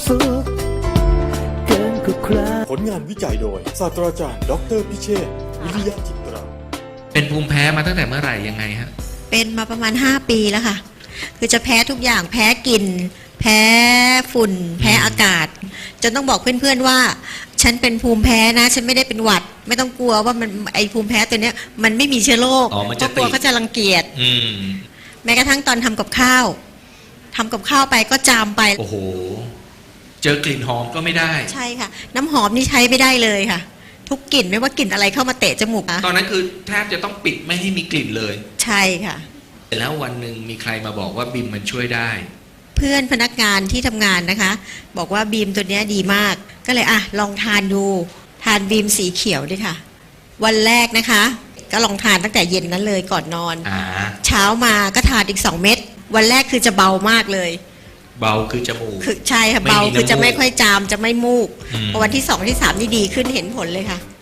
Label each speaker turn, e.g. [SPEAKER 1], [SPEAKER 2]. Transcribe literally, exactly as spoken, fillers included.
[SPEAKER 1] สุขเกินกว่าใคร
[SPEAKER 2] ผลงานวิจัยโดยศาสตราจารย์ดอกเตอรพิเชษฐ์วิริยะจิตรา
[SPEAKER 3] เป็นภูมิแพ้มาตั้งแต่เมื่อไหร่ยังไงฮะ
[SPEAKER 4] เป็นมาประมาณห้าปีแล้วค่ะคือจะแพ้ทุกอย่างแพ้กลิ่นแพ้ฝุ่นแพ้อากาศจนต้องบอกเพื่อนๆว่าฉันเป็นภูมิแพ้นะฉันไม่ได้เป็นหวัดไม่ต้องกลัวว่ามันไอภูมิแพ้ตัวเนี้ยมันไม่มีเชื้อโรคเพราะกลัวเขาจะรังเกียจแม้กระทั่งตอนทำกับข้าวทำกับข้าวไปก็จามไป
[SPEAKER 3] โอ้โหเจอกลิ่นหอมก็ไม่ได้
[SPEAKER 4] ใช่ค่ะน้ำหอมนี่ใช้ไม่ได้เลยค่ะทุกกลิ่นไม่ว่ากลิ่นอะไรเข้ามาเตะจมูก
[SPEAKER 3] ตอนนั้นคือแทบจะต้องปิดไม่ให้มีกลิ่นเลย
[SPEAKER 4] ใช่ค่ะ
[SPEAKER 3] แล้ววันหนึ่งมีใครมาบอกว่าบีมมันช่วยได้
[SPEAKER 4] เพื่อนพนักงานที่ทำงานนะคะบอกว่าบีมตัวนี้ดีมากก็เลยอ่ะลองทานดูทานบีมสีเขียวด้วยค่ะวันแรกนะคะก็ลองทานตั้งแต่เย็นนั้นเลยก่อนนอนเช้ามาก็ทานอีกสองเม็ดวันแรกคือจะเบามากเลย
[SPEAKER 3] เบาคือจมูก
[SPEAKER 4] คือใช่ค่ะเบาคือจะไม่ค่อยจามจะไม่มูกพอวันที่สองที่สามนี่ดีขึ้นเห็นผลเลยค่ะ